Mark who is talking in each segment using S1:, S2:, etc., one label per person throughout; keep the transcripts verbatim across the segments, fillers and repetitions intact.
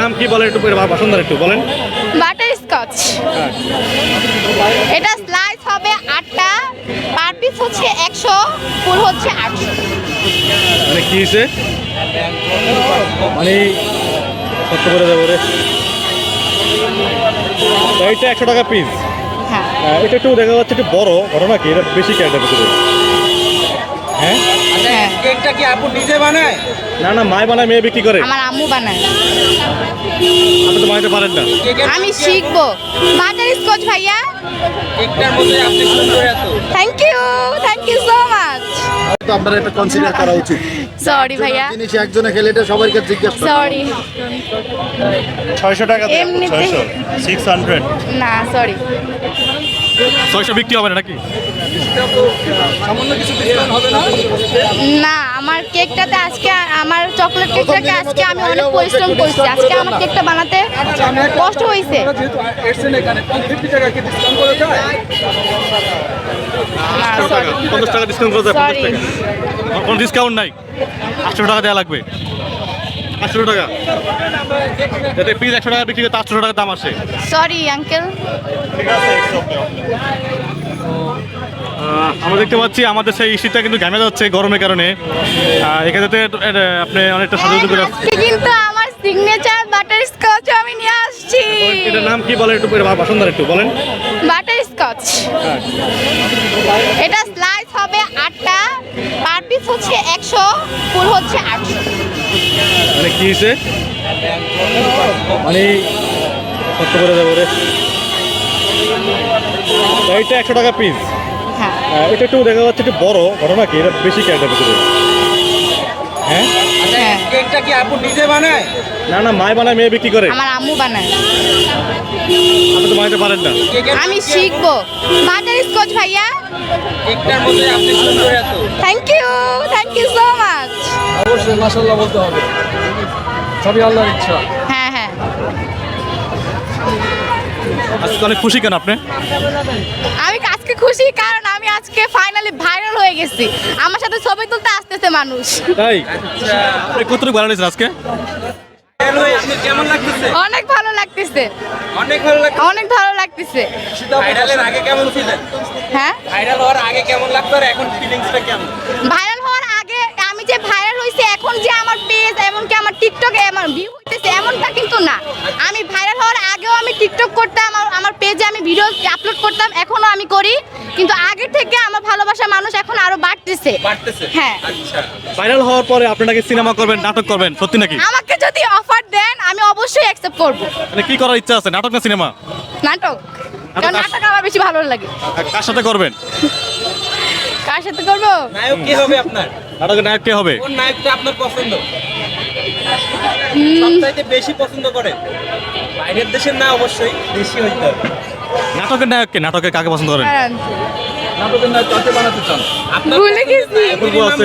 S1: নাম কি বলেন একটু পছন্দ একটু বলেন।
S2: Butter Scotch. এটা স্লাইস হবে আটটা, পার পিস হচ্ছে একশো, ফুল হচ্ছে আটশো।
S1: মানে কি হয়েছে মানে কত করে দেবো রে? এইটা একশো টাকা পিস।
S2: হ্যাঁ
S1: এটা একটু দেখা যাচ্ছে একটু বড় ঘটনা কি, এটা বেশি ক্যারেটের ভিতরে। হ্যাঁ
S2: হ্যাঁ।
S3: কেকটা কি আপু নিজে বানায়?
S1: না না, মায় বানায় মেয়ে বিক্রি করে।
S2: আমার আম্মু বানায়।
S1: আপনি তো বানাতে পারেন না।
S2: আমি শিখবো। বাটার স্কচ ভাইয়া।
S3: কেকটার মধ্যে আপনি সুন্দর এত।
S2: Thank you, thank you so much.
S4: তো আপনার এটা কনসিডার করা উচিত।
S2: সরি ভাইয়া,
S4: জিনিস একজনে খেলে এটা সবাইকে জিজ্ঞেস করা।
S2: সরি।
S1: ছয়শো টাকা
S2: এমনিতে-
S1: ছয়শো সিক্স হান্ড্রেড
S2: না সরি।
S1: ছয়শো বিক্রি হবে না নাকি?
S3: সামান্য কিছু ডিসকাউন্ট হবে না?
S2: না, আমার কেকটাতে আজকে আমার চকলেট কেকটাকে আজকে আমি অনেক পরিশ্রম করছি। আজকে আমার কেকটা বানাতে কষ্ট হয়েছে।
S3: যেহেতু এসছেন এখানে পঞ্চাশ টাকা কি ডিসকাউন্ট করে যায়?
S2: না সরি,
S1: পঞ্চাশ টাকা ডিসকাউন্ট করে দেয়।
S2: সরি।
S1: কোনো ডিসকাউন্ট নাই, আটশো টাকা দেওয়া লাগবে। আটশো টাকা যাতে পিস একশো টাকা বিক্রি করে আটশো টাকা দাম আসে।
S2: Sorry uncle.
S1: আহ, আমরা দেখতে পাচ্ছি আমাদের সেই শীতটা কিন্তু ঘামে যাচ্ছে গরমের কারণে। আহ, এখানে তো এটা আপনি অনেকটা সাজুগুজু করে আসছেন।
S2: আজকে কিন্তু আমার সিগনেচার বাটার স্কচ আমি নিয়ে আসছি।
S1: এটার নাম কি বলেন একটু পছন্দ একটু বলেন।
S2: Butter Scotch. এটা স্লাইস হবে আটটা, পার পিস হচ্ছে একশো, ফুল হচ্ছে আটশো।
S1: মানে কি হয়েছে মানে কত করে দেবো রে? এইটা একশো টাকা পিস।
S2: হ্যাঁ
S1: এটা একটু দেখা যাচ্ছে একটু বড় ঘটনা কি, এটা বেশি ক্যারেটের ভিতরে। হ্যাঁ
S2: হ্যাঁ।
S3: কেকটা কি আপু নিজে বানায়?
S1: না না, মায় বানায় মেয়ে বিক্রি করে।
S2: আমার আম্মু বানায়।
S1: আপনি তো বানাতে পারেন না।
S2: আমি শিখবো। বাটার স্কচ ভাইয়া।
S3: কেকটার মধ্যে আপনি সুন্দর এত।
S2: Thank you, thank you so much.
S3: অবশ্যই মাশাআল্লাহ বলতে হবে, সবই আল্লাহর ইচ্ছা।
S2: হ্যাঁ হ্যাঁ।
S1: আজকে অনেক খুশি কেন আপনি?
S2: আমি আজকে খুশি কারণ আমি আজকে ফাইনালি ভাইরাল হয়ে গেছি। আমার সাথে ছবি তুলতে আসতেছে মানুষ।
S1: তাই আপনি কতটুকু ভালো লেগেছে আজকে?
S3: হ্যালো, আপনি কেমন লাগতেছে?
S2: অনেক ভালো লাগতেছে,
S3: অনেক ভালো লাগছে।
S2: অনেক ভালো লাগতেছে।
S3: ভাইরালের আগে কেমন ছিলেন?
S2: হ্যাঁ,
S3: ভাইরাল হওয়ার আগে কেমন লাগতো আর এখন ফিলিংসটা কেমন?
S2: ভাইরাল হওয়ার আগে আমি যে ভাইরাল হয়েছে এখন যে আমার পেজ এমনকি আমার টিকটকে আমার ভিউ হইতেছে এমনটা কিন্তু না। আমি ভাইরাল হওয়ার আগেও আমি টিকটক করতাম, আমার আমার পেজে আমি ভিডিও আপলোড করতাম, এখনো আমি করি। কিন্তু আগে থেকে আমার ভালোবাসা মানুষ এখন আরো বাড়তেছে।
S3: বাড়তেছে?
S2: হ্যাঁ।
S3: আচ্ছা,
S1: ভাইরাল হওয়ার পরে আপনি নাকি সিনেমা করবেন, নাটক করবেন, সত্যি নাকি?
S2: আমাকে যদি অফার দেন আমি অবশ্যই অ্যাকসেপ্ট করব।
S1: মানে কি করার ইচ্ছা আছে, নাটক না সিনেমা?
S2: নাটক, কারণ নাটক আমার বেশি ভালো লাগে।
S1: কার সাথে করবেন?
S2: কার সাথে করব?
S3: নায়ক কে হবে আপনার?
S1: নাটকের নায়ক কে হবে?
S3: কোন নায়কটা আপনার পছন্দ?
S2: হুম,
S3: সবচাইতে বেশি পছন্দ করেন? বাইরের দেশের না, অবশ্যই দেশি হইতে হবে।
S1: নাটকের নায়ক কে? নাটকের কাকে পছন্দ করেন?
S2: দাঁড়ান,
S3: নাটকের নায়ক কাকে বানাতে চান? আপনার
S2: ভুলে গেছি।
S1: অপূর্ব আছে।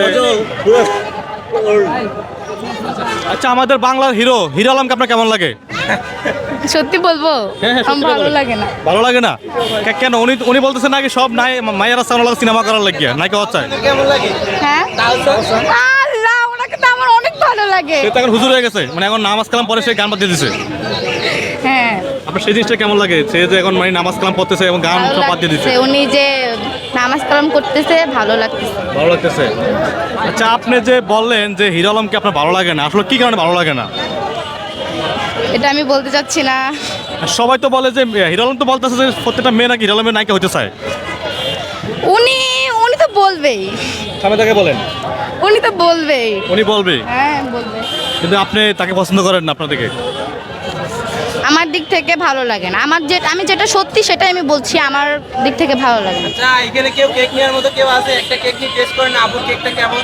S1: আচ্ছা, আমাদের বাংলার হিরো হিরো আলমকে আপনার কেমন লাগে?
S2: সত্যি বলবো
S1: হ্যাঁ, হ্যাঁ,
S2: আমার
S1: সত্যি
S2: ভালো
S1: বলেন।
S2: লাগে না।
S1: ভালো লাগে না কে- কেন? উনি উনি বলতেছেন নাকি সব নাই মায়েরা সামনে লাগে সিনেমা করার লাগিয়া নাকি হচ্ছে?
S3: কেমন লাগে?
S2: হ্যাঁ,
S3: তালসা?
S2: আল্লাহ, ওনাকে তো আমার অনেক ভালো লাগে।
S1: সে তো এখন হুজুর হয়ে গেছে, মানে এখন নামাজ কালাম পরে সে গান বাজিয়ে দিছে।
S2: হ্যাঁ,
S1: আপনার সেই জিনিসটা কেমন লাগে? সে যে এখন মানে নামাজ কালাম পড়তেছে এবং গান
S2: ভালো
S1: সব বাদ দিয়ে দিচ্ছে,
S2: লাগতেছে। উনি যে নামাজ কালাম করতেছে ভালো লাগতেছে।
S1: ভালো লাগতেছে। আচ্ছা, আপনি যে বললেন যে হিরো আলমকে আপনার ভালো লাগে না, আসলে কি কারণে ভালো লাগে না?
S2: এটা আমি বলতে চাচ্ছি না।
S1: সবাই তো বলে যে হিরো আলম তো বলতেছে যে প্রত্যেকটা মেয়ে নাকি হিরো আলমের নায়িকা হতে চায়।
S2: উনি উনি তো বলবেই,
S1: সামনে তাকে বলেন,
S2: উনি তো বলবেই।
S1: উনি বলবে,
S2: হ্যাঁ বলবে।
S1: কিন্তু আপনি তাকে পছন্দ করেন না আপনার দিকে।
S2: আমার দিক থেকে ভালো লাগে না। আমার যে আমি যেটা সত্যি সেটাই আমি বলছি, আমার দিক থেকে ভালো লাগে না।
S3: আচ্ছা, এখানে কেউ কেক নেওয়ার মতো কেউ আছে? একটা কেক নিয়ে টেস্ট করেন, আপুর কেকটা কেমন?